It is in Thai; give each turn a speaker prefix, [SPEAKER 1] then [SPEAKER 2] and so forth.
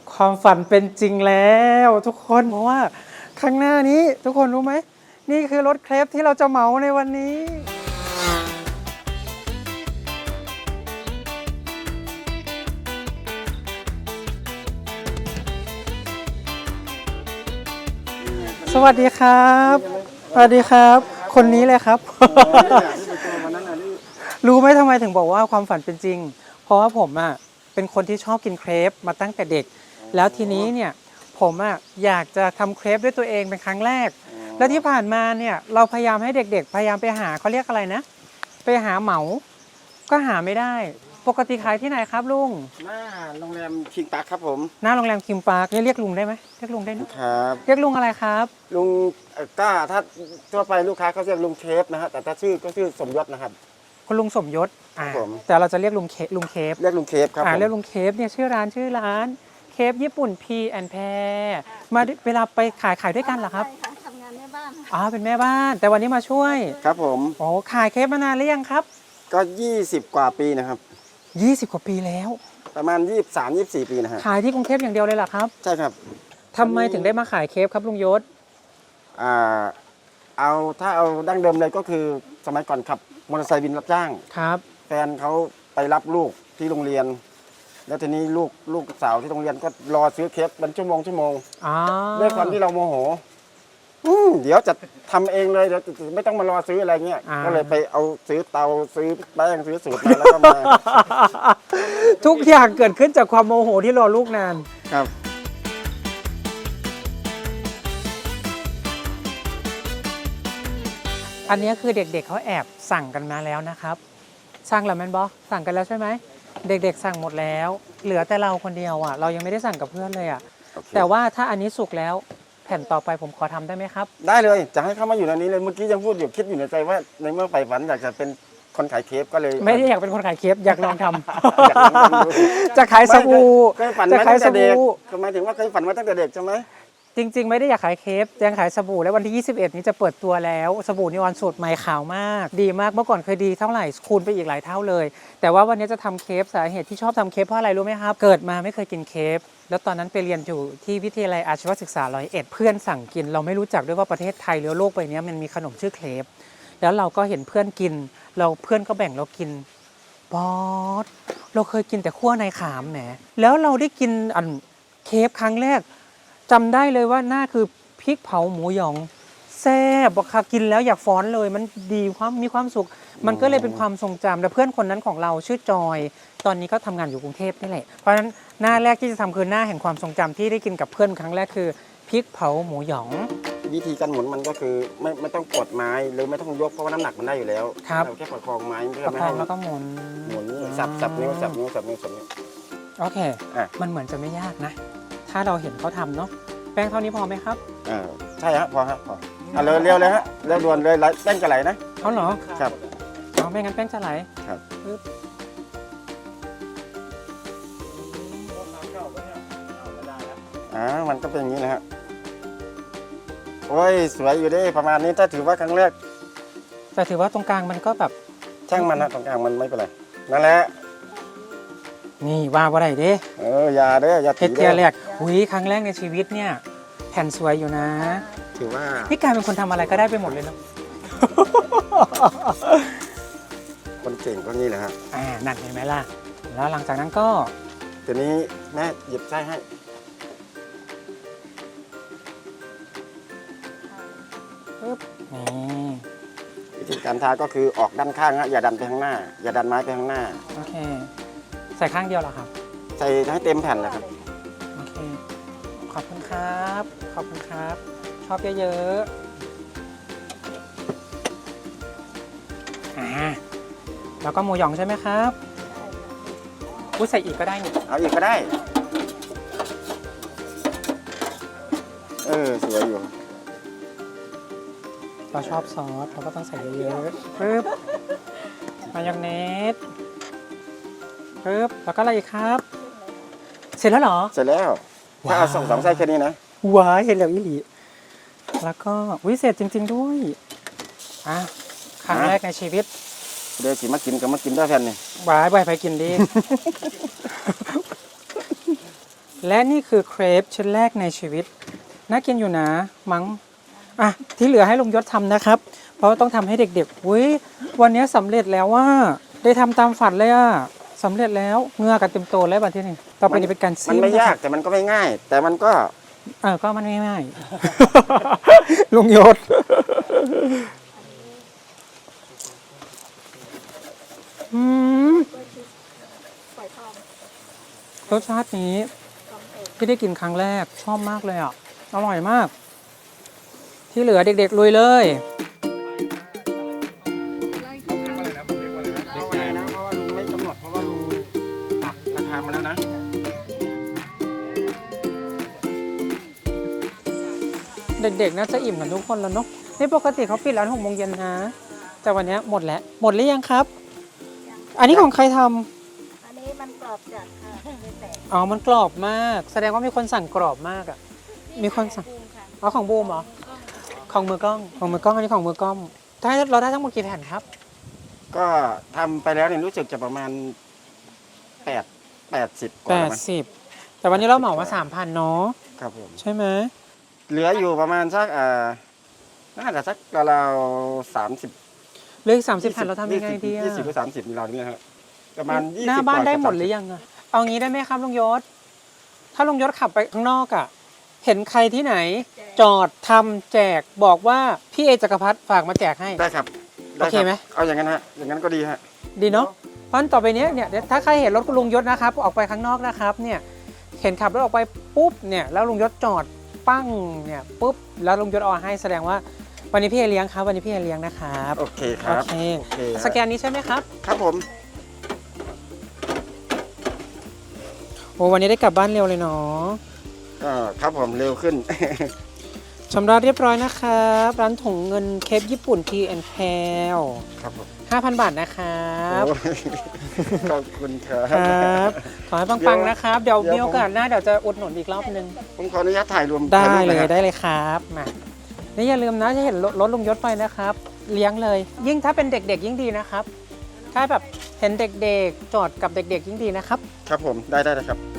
[SPEAKER 1] ความฝันเป็นจริงแล้วทุกคนเพราะว่าข้างหน้านี้ทุกคนรู้ไหมนี่คือรถเครปที่เราจะเหมาในวันนี้สวัสดีครับสวัสดีครับ คนนี้เลยครับ รู้ไหมทำไมถึงบอกว่าความฝันเป็นจริงเพราะว่าผมอ่ะเป็นคนที่ชอบกินเครปมาตั้งแต่เด็กแล้วทีนี้เนี่ยผมอ่ะอยากจะทำเครปด้วยตัวเองเป็นครั้งแรกแล้วที่ผ่านมาเนี่ยเราพยายามให้เด็กๆพยายามไปหาเขาเรียกอะไรนะไปหาเหมาก็หาไม่ได้ปกติขายที่ไหนครับลุง
[SPEAKER 2] หน้าโรงแรมคิงปาร์คครับผม
[SPEAKER 1] หน้าโรงแรมคิมปาร์คเรียกลุงได้ไหมเรียกลุงได้นะครับ เรียกลุงอะไรครับ
[SPEAKER 2] ลุงก็ถ้าทั่วไปลูกค้าเขาเรียกลุงเคฟนะฮะแต่ถ้าชื่อก็ชื่อสมยศนะครับ
[SPEAKER 1] คุณลุงสมยศ
[SPEAKER 2] ผม
[SPEAKER 1] แต่เราจะเรียกลุงเคฟ
[SPEAKER 2] เรียกลุงเคฟครับ
[SPEAKER 1] เรียกลุงเคฟเนี่ยชื่อร้านเคฟญี่ปุ่นพีแอนแพรมาเวลาไปขายด้วยกันเหรอครับ
[SPEAKER 3] ใช่ค่ะทำงานแม่บ้าน
[SPEAKER 1] เป็นแม่บ้านแต่วันนี้มาช่วย
[SPEAKER 2] ครับผม
[SPEAKER 1] โอ้ขายเคฟมานานหรือยังครับ
[SPEAKER 2] ก็20 กว่าปีนะครับ
[SPEAKER 1] 20 กว่าปีแล้ว
[SPEAKER 2] ประมาณ23-24 ปีนะฮะ
[SPEAKER 1] ขายที่กรุงเทพอย่างเดียวเลยเหรอครับ
[SPEAKER 2] ใช่ครับ
[SPEAKER 1] ทำไมถึงได้มาขายเคฟครับลุงยศ
[SPEAKER 2] ถ้าเอาดั้งเดิมเลยก็คือสมัยก่อนขับมอเตอร์ไซค์วินรับจ้าง
[SPEAKER 1] ครับ
[SPEAKER 2] แฟนเขาไปรับลูกที่โรงเรียนแล้วทีนี้ลูกสาวที่โรงเรียนก็รอซื้อเคฟเป็นชั่วโมงด้วยความที่เราโมโหเดี๋ยวจะทำเองเลยเดี๋ยวไม่ต้องมารอซื้ออะไรเงี้ยก็เลยไปเอาซื้อเตาซื้อแป้งซื้อสูตรมาแล้วก็มา
[SPEAKER 1] ทุกอย่างเกิดขึ้นจากความโมโหที่รอลูกนาน
[SPEAKER 2] ครับ
[SPEAKER 1] อันนี้คือเด็กๆเขาแอบสั่งกันมาแล้วนะครับสั่งแล้วแมนบอสั่งกันแล้วใช่ไหมเด็กๆสั่งหมดแล้วเหลือแต่เราคนเดียวอ่ะเรายังไม่ได้สั่งกับเพื่อนเลยอ่ะแต่ว่าถ้าอันนี้สุกแล้วแผ่นต่อไปผมขอทำได้ไหมครับ
[SPEAKER 2] ได้เลยจะให้เข้ามาอยู่ในนี้เลยเมื่อกี้ยังพูดอยู่คิดอยู่ในใจว่าในเมื่อใฝ่ฝันอยากจะเป็นคนขายเคฟก็เลย
[SPEAKER 1] ไม่ได้อยากเป็นคนขายเคฟอยากลองทำจะขายสบู่
[SPEAKER 2] จะขายสบู่หมายถึงว่าเคยฝันมาตั้งแต่เด็กใช่ไหม
[SPEAKER 1] จริงๆไม่ได้อยากขายเคฟยังขายสบู่แล้ววันที่21นี้จะเปิดตัวแล้วสบู่นิออนสูตรใหม่ขาวมากดีมากเมื่อก่อนเคยดีเท่าไหร่คูณไปอีกหลายเท่าเลยแต่ว่าวันนี้จะทำเคฟสาเหตุที่ชอบทำเคฟเพราะอะไรรู้ไหมครับเกิดมาไม่เคยกินเคฟแล้วตอนนั้นไปเรียนอยู่ที่วิทยาลัยอาชีวศึกษา101เพื่อนสั่งกินเราไม่รู้จักด้วยว่าประเทศไทยหรือโลกใบนี้มันมีขนมชื่อเคฟแล้วเราก็เห็นเพื่อนกินเพื่อนก็แบ่งเรากินบอสเราเคยกินแต่ขั้วในขามแหมแล้วเราได้กินเคฟครั้งแรกจำได้เลยว่าหน้าคือพริกเผาหมูหยองแซ่บบอกค่ะกินแล้วอยากฟ้อนเลยมันดีมีความสุขมันก็เลยเป็นความทรงจำและเพื่อนคนนั้นของเราชื่อจอยตอนนี้ก็ทำงานอยู่กรุงเทพนี่แหละเพราะฉะนั้นหน้าแรกที่จะทำคือหน้าแห่งความทรงจำที่ได้กินกับเพื่อนครั้งแรกคือพริกเผาหมูหยอง
[SPEAKER 2] วิธีการหมุนมันก็คือไม่ต้องกดไม้หรือไม่ต้องยกเพราะว่าน้ำหนักมันได้อยู่แล้วเราแค่ประคองไม้เพื่อไม่ให้
[SPEAKER 1] แล้วก็หมุน
[SPEAKER 2] สับนิ้ว
[SPEAKER 1] โอเคมันเหมือนจะไม่ยากนะถ้าเราเห็นเขาทำเนาะแป้งเท่านี้พอไหมครับ
[SPEAKER 2] ใช่ฮะพอเร็วเลยฮะเร็วด่วนเลยแป้งจะไหลนะ
[SPEAKER 1] เขาเหรอ
[SPEAKER 2] ครับ
[SPEAKER 1] ไม่งั้นแป้งจะไหล
[SPEAKER 2] ครับมันก็เป็นอย่างนี้นะฮะโอ้ยสวยอยู่ดิประมาณนี้ถ้าถือว่าครั้งแรก
[SPEAKER 1] แต่ถือว่าตรงกลางมันก็แบบ
[SPEAKER 2] ช่างมันนะตรงกลางมันไม่เป็นไรนั่นแหละ
[SPEAKER 1] นี่ว่าอะไรเด้
[SPEAKER 2] อย่าเด้ออย่า
[SPEAKER 1] เทสเทียแรกครั้งแรกในชีวิตเนี่ยแผ่นสวยอยู่นะ
[SPEAKER 2] ถือว่า
[SPEAKER 1] พี่การเป็นคนทำอะไรก็ได้ไปหมดเลยเนาะ
[SPEAKER 2] คนเก่งก็นี่แหละฮะ
[SPEAKER 1] นั่นเห็นไหมล่ะแล้วหลังจากนั้นก็
[SPEAKER 2] ทีนี้แม่หยิบไส้ให้
[SPEAKER 1] ปึ๊บนี่
[SPEAKER 2] วิธีการทาก็คือออกด้านข้างฮะอย่าดันไปข้างหน้าอย่าดันไม้ไปข้างหน้า
[SPEAKER 1] โอเคใส่ข้างเดียวเหรอครับ
[SPEAKER 2] ใส่ให้เต็มแผ่นเลยครับ
[SPEAKER 1] โอเคขอบคุณครับชอบเยอะๆแล้วก็หมูหยองใช่ไหมครับใส่อีกก็ได้นี่
[SPEAKER 2] เอาอีกก็ได้สวยอยู่
[SPEAKER 1] เราชอบซอสเราก็ต้องใส่เยอะๆปึ๊บมายองเนสปึ๊บแล้วก็อะไรอีกครับเสร็จแล้วเหรอ
[SPEAKER 2] เสร็จแล้วถ้าเอา2 ไส้แค่นี้นะ
[SPEAKER 1] ว้ายเห็นแล้วอีหลีแล้วก็วิเศษจริงๆด้วยครั้งแรกในชีวิต
[SPEAKER 2] เดี๋ยวสิมากินได้แผ่นนี่
[SPEAKER 1] ว้ายไปกินดีและนี่คือเครปชิ้นแรกในชีวิตน่ากินอยู่นะมั้งอ่ะที่เหลือให้ลุงยศทำนะครับ เพราะว่าต้องทำให้เด็กๆอุ้ยวันนี้สำเร็จแล้วว่าได้ทำตามฝันเลยอ่ะสำเร็จแล้วเหงือกันเต็มโตแล้ววันที่นี่ต่อไปนี้เป็นการ
[SPEAKER 2] มัน
[SPEAKER 1] ซีม
[SPEAKER 2] ไม่ยาก
[SPEAKER 1] นะครับ
[SPEAKER 2] แต่มันก็ไม่ง่าย แต่มันก็
[SPEAKER 1] ก็มันไม่ง่าย ลุงยศรสชาตินี้ที่ได้กินครั้งแรกชอบมากเลยอ่ะอร่อยมาก ที่เหลือเด็กๆลุยเลย
[SPEAKER 2] เอาไว้นะเพราะว่าลุงไม่กำหนดเพราะว่าลุงตัดราคามาแล้วนะ
[SPEAKER 1] เด็กๆน่าจะอิ่มกันทุกคนแล้วเนาะนี่ปกติเขาปิดร้าน6 โมงเย็นนะ แต่วันนี้หมดแล้วหมดหรือยังครับ อันนี้ของใครทำ
[SPEAKER 3] อันนี้มันกรอบจัดค่ะไม่แตก
[SPEAKER 1] อ๋อมันกรอบมาก แสดงว่ามีคนสั่งกรอบมากอ่ะมีคนสั่ง
[SPEAKER 3] บูมค่ะ
[SPEAKER 1] อ๋อของบูมเหรอของมือกล้องของมือกล้องอันนี้ของมือกล้องเราได้ทั้งหมดกี่แผ่นครับ
[SPEAKER 2] ก็ทำไปแล้วเนี่ยรู้สึกจะประมาณ80กว่าแล้วมั้ง
[SPEAKER 1] 80แต่วันนี้เราเหมามา 3,000เนาะ
[SPEAKER 2] ครับผม
[SPEAKER 1] ใช่ไหม
[SPEAKER 2] เหลืออยู่ประมาณสักน่าจะสักราวๆ30
[SPEAKER 1] เหลืออีก30 แผ่นเราทำยังไงดีอะ
[SPEAKER 2] 20หรือ30มีเรานี่นะครับประมาณ20
[SPEAKER 1] หน้าบ้าน
[SPEAKER 2] กว่
[SPEAKER 1] ได้หมด
[SPEAKER 2] กับ
[SPEAKER 1] หรือยังอะเอางี้ได้ไหมครับลุงยศ ถ้าลุงยศขับไปข้างนอกอะเห็นใครที่ไหน จอดทำแจกบอกว่าพี่เอจักรพัฒน์ฝากมาแจกให้
[SPEAKER 2] ได้ครับ
[SPEAKER 1] โอเคไหม
[SPEAKER 2] เอาอย่างนั้นฮะอย่างนั้นก็ดีฮะ
[SPEAKER 1] ดีเนาะเพราะฉะนั้นต่อไปเนี้ยเนี่ยถ้าใครเห็นรถคุณลุงยศนะครับออกไปข้างนอกนะครับเนี่ยเห็นขับรถออกไปปุ๊บเนี่ยแล้วลุงยศจอดปั้งเนี่ยปุ๊บแล้วลุงยศเอาให้แสดงว่าวันนี้พี่เอเลี้ยงครับวันนี้พี่เอเลี้ยงนะครับ
[SPEAKER 2] โอเคค
[SPEAKER 1] โอ
[SPEAKER 2] รับ
[SPEAKER 1] เค
[SPEAKER 2] โอเคฮะ
[SPEAKER 1] สแกนนี้ใช่ไหมครับ
[SPEAKER 2] ครับผม
[SPEAKER 1] โอ้วันนี้ได้กลับบ้านเร็วเลยเนาะ
[SPEAKER 2] ครับผมเร็วขึ้น
[SPEAKER 1] ชำระเรียบร้อยนะครับร้านถุงเงินเคปญี่ปุ่น T&Pal
[SPEAKER 2] ครับผม
[SPEAKER 1] 5,000 บาทนะครับ
[SPEAKER 2] โอ้ยขอบคุณครับ
[SPEAKER 1] ครับ ขอให้ปังๆนะครับ เดี๋ยว
[SPEAKER 2] เดี๋ยว
[SPEAKER 1] มีโอกาสหน้าเดี๋ยวจะอุดหนุนอีกรอบนึง
[SPEAKER 2] ผมขออนุญาตถ่ายรวม
[SPEAKER 1] ได้
[SPEAKER 2] ถ่ารูป
[SPEAKER 1] เลย
[SPEAKER 2] นะ
[SPEAKER 1] ได้เลยครับมานี่อย่าลืมนะจะเห็นรถลุงยศไปนะครับ เลี้ยงเลย ยิ่งถ้าเป็นเด็กๆยิ่งดีนะครับ ถ้าแบบเห็นเด็กๆจอดกับเด็กๆยิ่งดีนะครับ
[SPEAKER 2] ครับผมได้ครับ